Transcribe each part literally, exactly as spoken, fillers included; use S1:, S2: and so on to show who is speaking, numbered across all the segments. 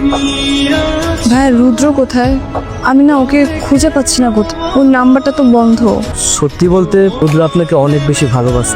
S1: ভাই রুদ্র কোথায়? আমি না ওকে খুঁজে পাচ্ছি না কোথায়, ওর নাম্বারটা তো বন্ধ।
S2: সত্যি বলতে রুদ্র আপনাকে অনেক বেশি ভালোবাসে।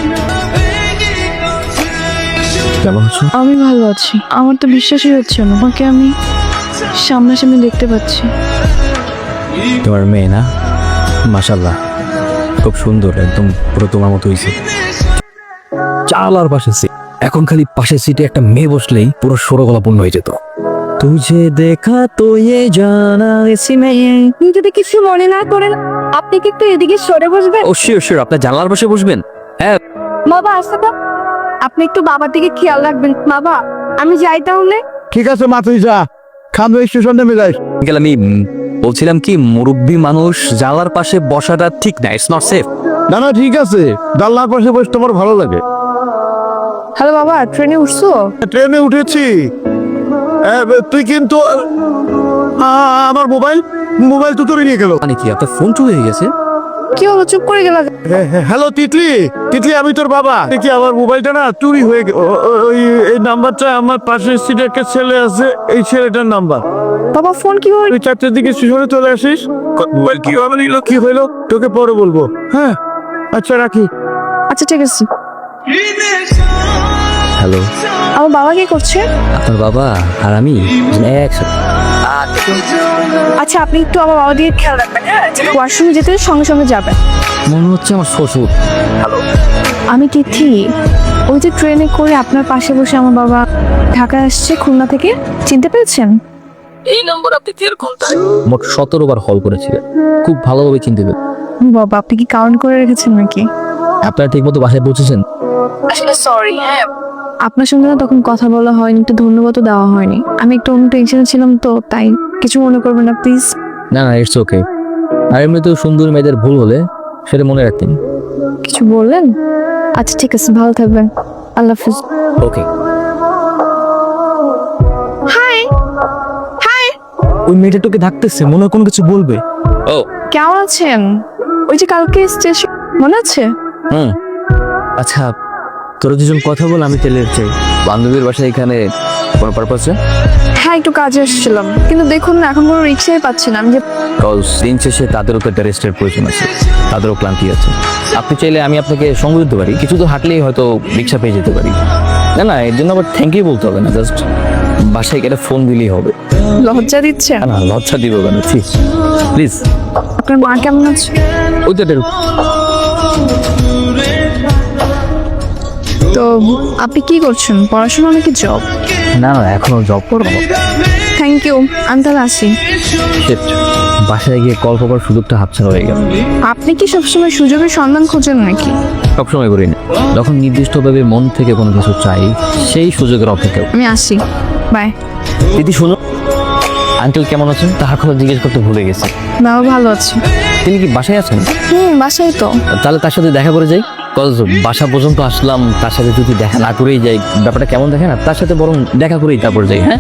S2: কেমন আছো?
S1: আমি ভালো আছি, আমার তো বিশ্বাসই হচ্ছে না ওকে আমি সামনাসামনি দেখতে পাচ্ছি।
S2: তোমার মেয়ে না? মাশাআল্লাহ, খুব সুন্দর, একদম পুরো তোমার মতো হয়েছে। চালার পাশে সিট, এখন খালি পাশের সিটে একটা মেয়ে বসলেই পুরো সরগলা পূর্ণ হয়ে যেত। তুঝে দেখা তো ये জানা এসি মেয়ে।
S1: আপনি যদি কিছু মনে না করেন আপনি কি একটু এদিকে সরে বসবেন?
S2: ও শিওর শিওর, আপনার জানলার পাশে বসবেন। হ্যাঁ
S1: বাবা আসতে তো, আপনি একটু বাবার দিকে খেয়াল রাখবেন। বাবা আমি যাই তাহলে।
S3: ঠিক আছে মা, তুই যা, খান স্টেশন নেমে যাই।
S2: আঙ্কেল আমি উম, বলছিলাম কি, মুরব্বী মানুষ জানলার পাশে বসাটা ঠিক না, ইটস নট সেফ।
S3: না না ঠিক আছে, জানলার পাশে বসে তোমার ভালো লাগে।
S1: হ্যালো বাবা, ট্রেনে উঠছো?
S3: ট্রেনে উঠেছি। এ, তুই কিন্তু আ, আমার মোবাইল মোবাইল তো তোরে নিয়ে গেল।
S2: মানে কি আপনার ফোন চুরি হয়ে গেছে?
S1: কি হলো, চুপ করে গেলা?
S3: হ্যালো তিতলি, তিতলি আমি তোর বাবা। দেখি আমার মোবাইলটা না চুরি হয়ে গেল। ওই এই নাম্বারটা আমার পাশের সিটে একটা ছেলে আছে, এই ছেলেটার নাম্বার।
S1: বাবা ফোন কি হলো?
S3: তুই চারটের দিকে স্টেশনে চলে আসিস। মোবাইল কি হবে নিল, কি হইলো তোকে পরে বলবো। হ্যাঁ আচ্ছা রাখি।
S1: আচ্ছা ঠিক আছে।
S2: হ্যালো,
S1: আমার বাবা কি করছে?
S2: আপনার বাবা আর আমি একসাথে।
S1: আচ্ছা আপনি একটু আমার বাবা দিয়ে খেয়াল রাখবেন, হ্যাঁ? ওয়াশরুমে যেতে সঙ্গে সঙ্গে যাবেন।
S2: মনে হচ্ছে আমার শ্বশুর।
S1: আমি তিথি, ওই যে ট্রেনে করে আপনার পাশে বসে আমার বাবা ঢাকা আসছে খুলনা থেকে, চিনতে পেরেছেন?
S2: এই নম্বর আপনি টের কোনটায়? মোট সতেরো বার কল করেছিলেন, খুব ভালোভাবে চিনতে পেরেছেন।
S1: বাবা আপনি কি কাউন্ট করে রেখেছেন নাকি?
S2: আপনারা ঠিক মতো বাসায় পৌঁছেছেন?
S1: আসলে সরি, হ্যাঁ আপনার সঙ্গে না তখন কথা বলা হয়নি, একটু ধন্যবাদও দেওয়া হয়নি। আমি একটু অন্য টেনশনে ছিলাম তো, তাই কিছু মনে করবেন না প্লিজ।
S2: না না ইটস ওকে। আর এমনিতেও সুন্দর মেয়েদের ভুল হলে সেটা মনে রাখতেন।
S1: কিছু বললেন? আচ্ছা ঠিক আছে, ভালো থাকবেন, আল্লাহ হাফিজ।
S2: ওকে।
S1: হাই হাই,
S2: ওই মেয়েটা তোকে ডাকতেছে, মনে হয় কোনো কিছু বলবে। ও
S1: কেমন আছেন? ওই যে কালকে স্টেশন মনে আছে?
S2: হুম, আচ্ছা তোরা দুজন কথা বল, আমি তেলের চাই। বান্ধবীর বাসায় এখানে কোনো পারপাসে?
S1: হ্যাঁ একটু কাজে এসেছিলাম, কিন্তু দেখুন না এখন কোনো রিক্সাই পাচ্ছি না। আমি যে
S2: কজ দিন শেষে তাদেরও তো একটা রেস্টের প্রয়োজন আছে, তাদেরও ক্লান্তি আছে। আপনি চাইলে আমি আপনাকে সঙ্গ দিতে পারি, কিছু তো হাঁটলেই হয়তো রিক্সা পেয়ে যেতে পারি। না না এর জন্য আবার থ্যাংক ইউ বলতে হবে না, জাস্ট বাসায় গেলে ফোন দিলেই হবে।
S1: লজ্জা দিচ্ছে?
S2: না না লজ্জা দিব কেন, প্লিজ।
S1: আপনার মা কেমন আছে?
S2: ওই তো এটার-
S1: তো আপনি কি করছেন, পড়াশোনা নাকি জব?
S2: না না এখনো জব করবো।
S1: থ্যাংক ইউ, আমি তাহলে আসি।
S2: Shit, বাসায় গিয়ে কল করার সুযোগটা হাতছাড়া হয়ে গেল।
S1: আপনি কি সবসময় সুযোগের সন্ধান খোঁজেন নাকি?
S2: সবসময় করি না, যখন নির্দিষ্টভাবে মন থেকে কোনো কিছু চাই সেই সুযোগের অপেক্ষা।
S1: আমি আসি, বাই।
S2: দিদি শোনো, আঙ্কেল কেমন আছেন তার কথা জিজ্ঞেস করতে ভুলে গেছে।
S1: বাবা ভালো আছে।
S2: তিনি কি বাসায় আছেন?
S1: হুম বাসায় তো।
S2: তাহলে তার সাথে দেখা করে যাই। কজ বাসা পর্যন্ত আসলাম, তার সাথে যদি দেখা না করেই যাই ব্যাপারটা কেমন দেখে না, তার সাথে বরং দেখা করেই তারপর যাই। হ্যাঁ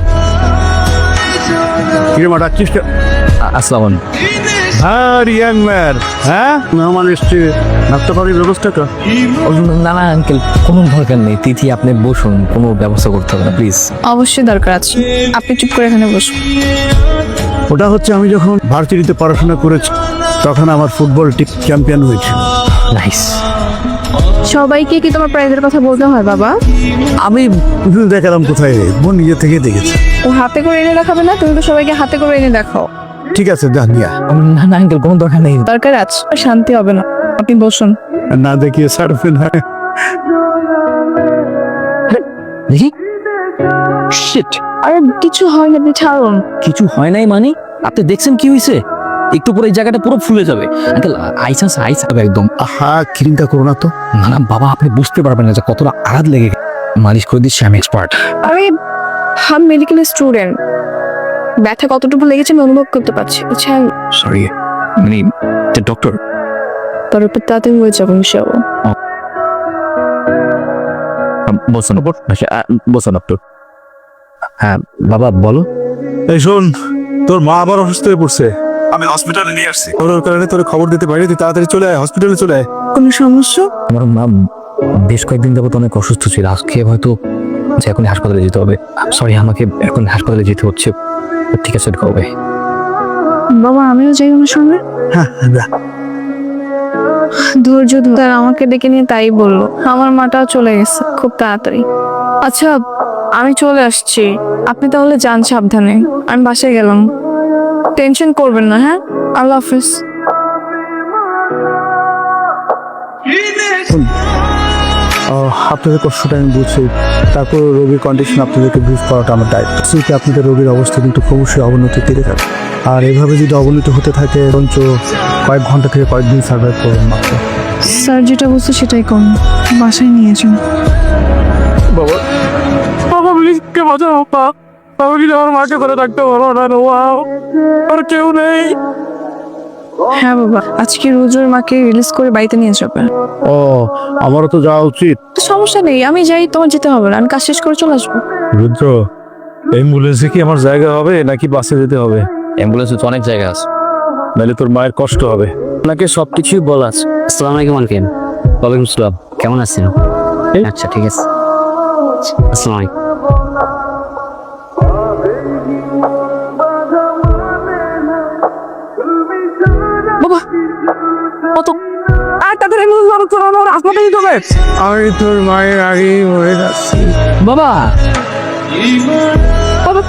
S3: কিরে মা ডাকছিস?
S2: আ- আসসালামু আলাইকুম।
S3: হ্যাঁ ইয়াং ম্যান, হ্যাঁ মেহমান এসছে, নাস্তা পানির ব্যবস্থা কর।
S2: ও, না না আঙ্কেল কোনো দরকার নেই, তিথি আপনি বসুন, কোনো ব্যবস্থা করতে হবে না প্লিজ।
S1: অবশ্যই দরকার আছে, আপনি চুপ করে এখানে বসুন।
S3: ওটা হচ্ছে আমি যখন ভার্সিটিতে পড়াশোনা করেছি তখন আমার ফুটবল টিম চ্যাম্পিয়ন হয়েছিল।
S2: নাইস।
S1: সবাইকে কি তোমার প্রাইজের কথা বলতে হয় বাবা?
S3: আমি দেখালাম কোথায়, বোন নিজে থেকে দেখেছে।
S1: ও হাতে করে এনে দেখাবে না? তুমি তো সবাইকে হাতে করে এনে দেখাও।
S3: ঠিক আছে যা নিয়া,
S2: না না আঙ্কেল কোনো দরকার নেই।
S1: দরকার আছে, শান্তি হবে না। আপনি বসুন।
S3: না দেখিয়ে ছাড়বে না।
S2: দেখি। শিট,
S1: আরে কিছু হয় না, আপনি ছাড়ুন।
S2: কিছু হয় নাই মানে? আপনি দেখছেন কি হয়েছে? একটু পরে এই জায়গাটা পুরো ফুলে যাবে। আঙ্কেল আইস আছে, আইস হবে একদম।
S3: আহা চিন্তা করো না তো।
S2: না না বাবা আপনি বুঝতে পারবেন না যে কতটা আঘাত লেগে গেছে। মালিশ করে দিচ্ছি, আমি এক্সপার্ট।
S1: আমি আমি মেডিকেল স্টুডেন্ট, ব্যথা কতটুকু লেগেছে আমি অনুভব করতে পারছি, বুঝছেন?
S2: সরি মানে ডক্টর।
S1: তার উপর তাড়াতাড়ি হয়ে যাবো, মিশাবো।
S2: বসুন বসুন ডক্টর। হ্যাঁ বাবা বলো।
S3: এই শোন, তোর মা আবার অসুস্থ হয়ে পড়ছে, আমি হসপিটালে নিয়ে আসছি। ওর কারণে তোর খবর দিতে পারি, তুই তাড়াতাড়ি চলে আয়, হসপিটালে চলে আয়।
S1: কোনো সমস্যা?
S2: আমার মা বেশ কয়েকদিন যাবত অনেক অসুস্থ ছিল, আজকে হয়তো যে এখন হাসপাতালে যেতে হবে। সরি, আমাকে এখন হাসপাতালে যেতে হচ্ছে। ঠিক আছে, কবে?
S1: বাবা আমিও যাই আমার সঙ্গে।
S3: হ্যাঁ
S1: ধৈর্য ধর। স্যার আমাকে ডেকে নিয়ে তাই বললো। আমার মাটাও চলে গেছে খুব তাড়াতাড়ি। আচ্ছা আমি চলে আসছি, আপনি তাহলে যান সাবধানে। আমি বাসায় গেলাম, টেনশন করবেন না। হ্যাঁ, আল্লাহ হাফিজ।
S3: আপনাদের কষ্টটা আমি বুঝছি, তারপর রোগীর কন্ডিশন আপনাদেরকে ব্রিফ করাটা আমার দায়িত্ব। সেটা আপনাদের রোগীর অবস্থা কিন্তু অবশ্যই অবনতির দিকে যাবে, আর এভাবে যদি অবনতি হতে থাকে বরঞ্চ কয়েক ঘন্টা থেকে কয়েকদিন সার্ভাইভ করবেন মাত্র।
S1: স্যার যেটা বলছে সেটাই করুন, বাসায় নিয়ে যান।
S3: বাবা বাবা প্লিজ কে বাঁচাও বাবা। বাবা কি আমার মাকে করে রাখতে পারো না? ওয়াও, আর কেউ নেই।
S1: হ্যাঁ বাবা, আজকে রোজোর মাকে রিলিজ করে বাড়িতে নিয়ে যাবে।
S3: ও, আমারও তো যাওয়া উচিত।
S1: তো সমস্যা নেই, আমি যাই, তোমার যেতে হবে না, আমি কাজ শেষ করে চলে আসবো।
S3: রুদ্র, অ্যাম্বুলেন্সে কি আমার জায়গা হবে নাকি বাসে যেতে হবে?
S2: অ্যাম্বুলেন্সে তো অনেক জায়গা আছে,
S3: নাহলে তোর মায়ের কষ্ট হবে।
S2: আপনাকে সব কিছুই বলা আছে। আসসালামু আলাইকুম আঙ্কেল। ওয়ালাইকুম আসসালাম, কেমন আছেন? আচ্ছা ঠিক আছে, আসসালামু আলাইকুম।
S1: বাবা কত আর তাদের হাসপাতালে নিতে হবে।
S3: আমি তোর মায়ের আগেই মরে যাচ্ছি।
S2: বাবা,
S1: বাবা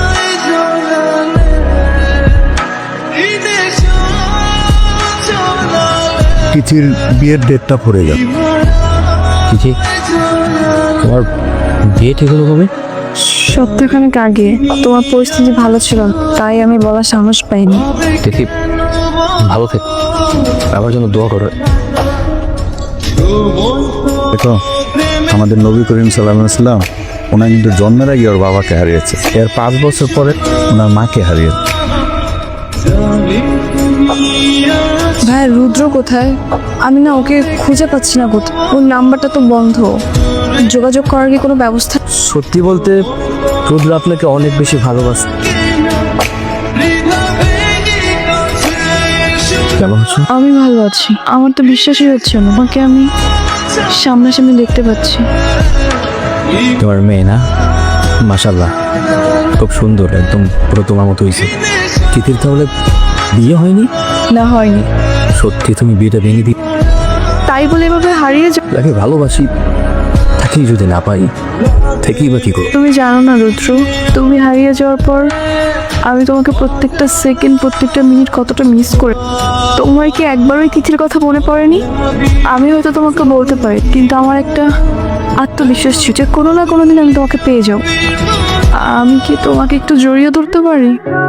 S3: তিথির বিয়ের ডেটটা পড়ে গেল।
S2: কি তোমার বিয়ে ঠিক হলো কবে?
S1: সপ্তাহখানেক আগে। তোমার পরিস্থিতি ভালো ছিল না, তাই আমি বলার সাহস পাইনি।
S2: দেখি, ভালো থেকো, আমার জন্য দোয়া করো।
S3: দেখো, আমাদের নবী করিম সাল্লাল্লাহু আলাইহি সাল্লাম ওনার কিন্তু জন্মের আগে ওর বাবাকে হারিয়েছে, এর পাঁচ বছর পরে ওনার মাকে হারিয়েছে।
S1: ভাই রুদ্র কোথায়? আমি না ওকে খুঁজে পাচ্ছি না কোথায়। ওর নাম্বারটা তো বন্ধ, যোগাযোগ করার কি কোনো ব্যবস্থা?
S2: সত্যি বলতে রুদ্র আপনাকে অনেক বেশি ভালোবাসে। কেমন আছো?
S1: আমি ভালো আছি, আমার তো বিশ্বাসই হচ্ছে না ওকে আমি সামনাসামনি দেখতে পাচ্ছি।
S2: তোমার মেয়ে না, মাশাল্লাহ খুব সুন্দর, একদম পুরো তোমার মতো হয়েছে। তিথির তাহলে বিয়ে হয়নি?
S1: না হয়নি।
S2: সত্যি তুমি বিয়েটা ভেঙে দিই?
S1: তাই বলে এভাবে হারিয়ে যা।
S2: তাকে ভালোবাসি, তাকেই যদি না পাই থেকেই বা কি করো?
S1: তুমি জানো না রুদ্র, তুমি হারিয়ে যাওয়ার পর আমি তোমাকে প্রত্যেকটা সেকেন্ড প্রত্যেকটা মিনিট কতটা মিস করে। তোমার কি একবার ওই তিথির কথা মনে পড়েনি? আমি হয়তো তোমাকে বলতে পারি, কিন্তু আমার একটা আত্মবিশ্বাস ছিল যে কোনো না কোনো দিন আমি তোমাকে পেয়ে যাও। আমি কি তোমাকে একটু জড়িয়ে ধরতে পারি?